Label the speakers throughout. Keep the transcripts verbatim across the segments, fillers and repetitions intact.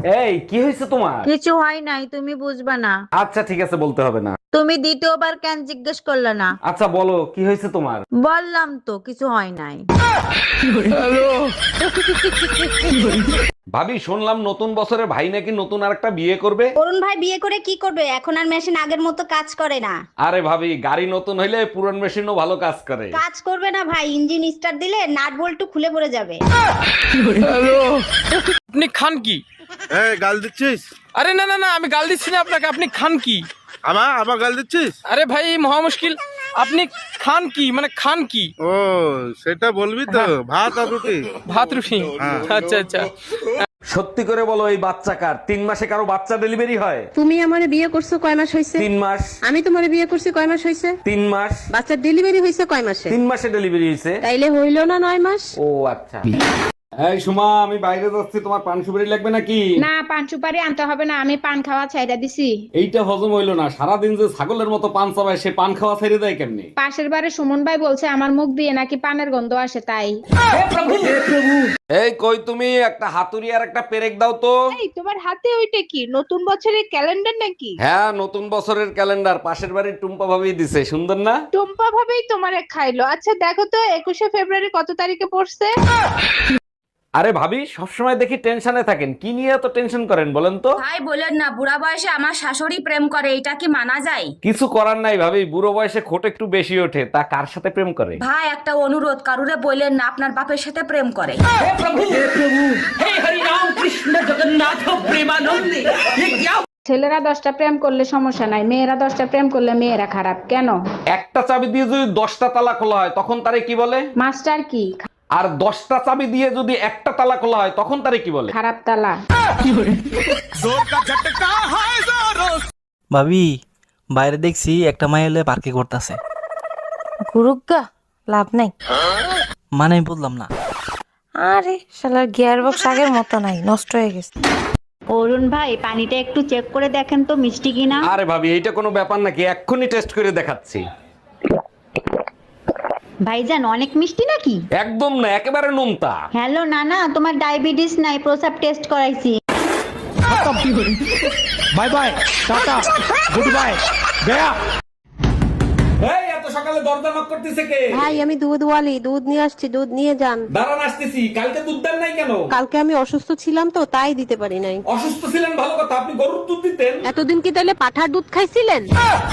Speaker 1: এই কি হয়েছে তোমার?
Speaker 2: কিছু হয় নাই, তুমি বুঝবা না।
Speaker 1: আচ্ছা ঠিক আছে, বলতে হবে না।
Speaker 2: তুমি দ্বিতীয়বার কেন জিজ্ঞেস করলে না?
Speaker 1: আচ্ছা বলো কি হয়েছে তোমার?
Speaker 2: বললাম তো কিছু হয় নাই।
Speaker 1: ভাবি শুনলাম নতুন বছরে ভাই নাকি নতুন আরেকটা বিয়ে করবে।
Speaker 3: অরুণ ভাই বিয়ে করে কি করবে? এখন আর মেশিন আগের মতো কাজ করে না।
Speaker 1: আরে ভাবি, গাড়ি নতুন হইলে পুরান মেশিনও ভালো কাজ করে।
Speaker 3: কাজ করবে না ভাই, ইঞ্জিন স্টার্ট দিলে নাট বল্টু খুলে পড়ে যাবে।
Speaker 4: আপনি খান কি?
Speaker 5: এই গাল দিচ্ছিস?
Speaker 4: আরে না না না, আমি গাল দিচ্ছি না আপনাকে। আপনি খান কি?
Speaker 5: আমা আমা গাল দিচ্ছিস?
Speaker 4: আরে ভাই মহা মুশকিল। আপনি খান কি মানে খান কি?
Speaker 5: ও সেটা বলবি তো, ভাত আর রুটি।
Speaker 4: ভাত রুটি? আচ্ছা আচ্ছা।
Speaker 1: সত্যি করে বলো, এই বাচ্চা কার? তিন মাসে কারো বাচ্চা ডেলিভারি হয়?
Speaker 6: তুমি আমারে বিয়ে করছো কয় মাস হইছে?
Speaker 1: তিন মাস।
Speaker 6: আমি তোমারে বিয়ে করছি কয় মাস হইছে?
Speaker 1: তিন মাস।
Speaker 6: বাচ্চার ডেলিভারি হইছে কয় মাসে?
Speaker 1: তিন মাসে ডেলিভারি হয়েছে।
Speaker 6: তাইলে হইলো না নয় মাস?
Speaker 1: ও আচ্ছা। এই সুমা, আমি বাইরে যাচ্ছি, তোমার পান সুপারি লাগবে নাকি?
Speaker 7: না, পান সুপারি আনতে হবে না, আমি পান খাওয়া ছাইড়া দিছি।
Speaker 1: এইটা হজম হইলো না, সারাদিন যে ছাগলের মতো পান চাবায়, সে পান খাওয়া ছেড়ে দেয় কেমনি?
Speaker 7: পাশের বাড়ি সুমন ভাই বলছে আমার মুখ দিয়ে নাকি পানের গন্ধ আসে, তাই।
Speaker 1: এই কই তুমি, একটা হাতুড়ি আর একটা পেরেক দাও তো।
Speaker 7: এই তোমার হাতে ওইটা কি? নতুন বছরের ক্যালেন্ডার নাকি?
Speaker 1: হ্যাঁ, নতুন বছরের ক্যালেন্ডার, পাশের বাড়ির টুম্পা ভাবি দিছে, সুন্দর না?
Speaker 7: টুম্পা ভাবেই তোমারে খাইলো। আচ্ছা দেখো তো একুশে ফেব্রুয়ারি কত তারিখে পড়ছে?
Speaker 1: আরে ভাবি, সবসময় দেখি টেনশনে থাকেন, কি নিয়ে এত টেনশন করেন বলেন তো?
Speaker 8: ভাই বলেন না, বুড়া বয়সে আমার শাশুড়ি প্রেম করে, এটা কি মানা যায়?
Speaker 1: কিছু করার নাই ভাবি, বুড়ো বয়সে খোট একটু বেশি ওঠে, তা কার সাথে প্রেম করে?
Speaker 8: ভাই একটা অনুরোধ, কারুরে বললেন না আপনার বাপের সাথে প্রেম করে।
Speaker 7: ছেলেরা দশটা প্রেম করলে সমস্যা নাই, মেয়েরা দশটা প্রেম করলে মেয়েরা খারাপ কেন?
Speaker 1: একটা চাবি দিয়ে যদি দশটা তালা খোলা হয়, তখন তারে কি বলে?
Speaker 7: মাস্টার কি?
Speaker 1: আর দশটা চাবি দিয়ে যদি একটা তালা খোলা হয়, তখন তারে কি বলে?
Speaker 7: খারাপ তালা।
Speaker 9: ভাবি, বাইরে দেখছি একটা মাই এলে পার্কে করতেছে।
Speaker 2: গুরুগা লাভ নাই।
Speaker 9: মানে আমি বললাম না।
Speaker 2: আরে শালার গিয়ার বক্স আগের মতো নাই, নষ্ট হয়ে গেছে।
Speaker 3: অরুণ ভাই পানিটা একটু চেক করে দেখেন তো মিষ্টি কিনা।
Speaker 1: আরে ভাবি, এইটা কোনো ব্যাপার নাকি? এক্ষুনি টেস্ট করে দেখাচ্ছি।
Speaker 3: ভাইজান অনেক মিষ্টি নাকি?
Speaker 1: একদম না, একেবারে নোনতা।
Speaker 3: হ্যালো নানা, তোমার ডায়াবেটিস নাই, প্রসাব টেস্ট করাইছি।
Speaker 4: Bye bye, tata, good bye, গয়া।
Speaker 1: এই এত সকালে দরজা নক করতেছে কে?
Speaker 6: ভাই আমি দুধ ওয়ালি, দুধ নিয়ে আসছি, দুধ নিয়ে যান।
Speaker 1: দাঁড়ান আসতেছি। কালকে দুধ দেন নাই কেন?
Speaker 6: কালকে আমি অসুস্থ ছিলাম তো, তাই দিতে পারি নাই।
Speaker 1: অসুস্থ ছিলেন ভালো কথা, আপনি গরুর দুধ দিতেন।
Speaker 6: এতদিন কি তাহলে পাঠার দুধ খাইছিলেন?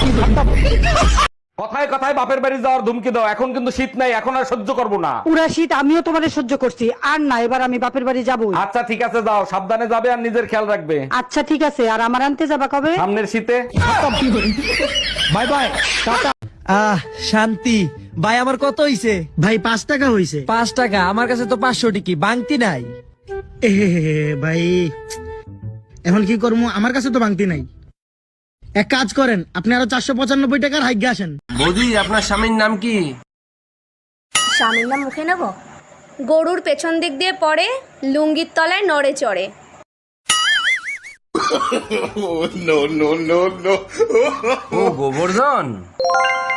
Speaker 1: কথায় কথায় বাপের বাড়ি যাওয়ার ধুমকি দাও, এখন কিন্তু শীত নাই, এখন আর সহ্য করবো না।
Speaker 10: পুরা শীত আমিও তোমারে সহ্য করছি, আর না এবার আমি বাপের বাড়ি যাবো।
Speaker 1: আচ্ছা ঠিক আছে, যাও, সাবধানে যাবে আর নিজের খেয়াল রাখবে।
Speaker 10: আচ্ছা ঠিক আছে, আর আমার আনতে যাবা কবে?
Speaker 1: সামনের শীতে।
Speaker 4: By bye, tata.
Speaker 9: আহ শান্তি। ভাই আমার কত হইছে?
Speaker 10: ভাই পাঁচ টাকা হইছে।
Speaker 9: পাঁচ টাকা? আমার কাছে তো পাঁচশো টিকি বাংতি নাই।
Speaker 10: এ ভাই এখন কি করবো, আমার কাছে তো ভাঙতি নাই। এক কাজ করেন, আপনি আরো চারশো পঁচানব্বই টাকার হাইগে আসেন।
Speaker 9: বৌদি, আপনার স্বামীর নাম কি?
Speaker 3: স্বামীর নাম মুখে নেব? গরুর পেছন দিক দিয়ে পড়ে, লুঙ্গির তলায় নড়ে চড়ে।
Speaker 9: ও গোবর্ধন।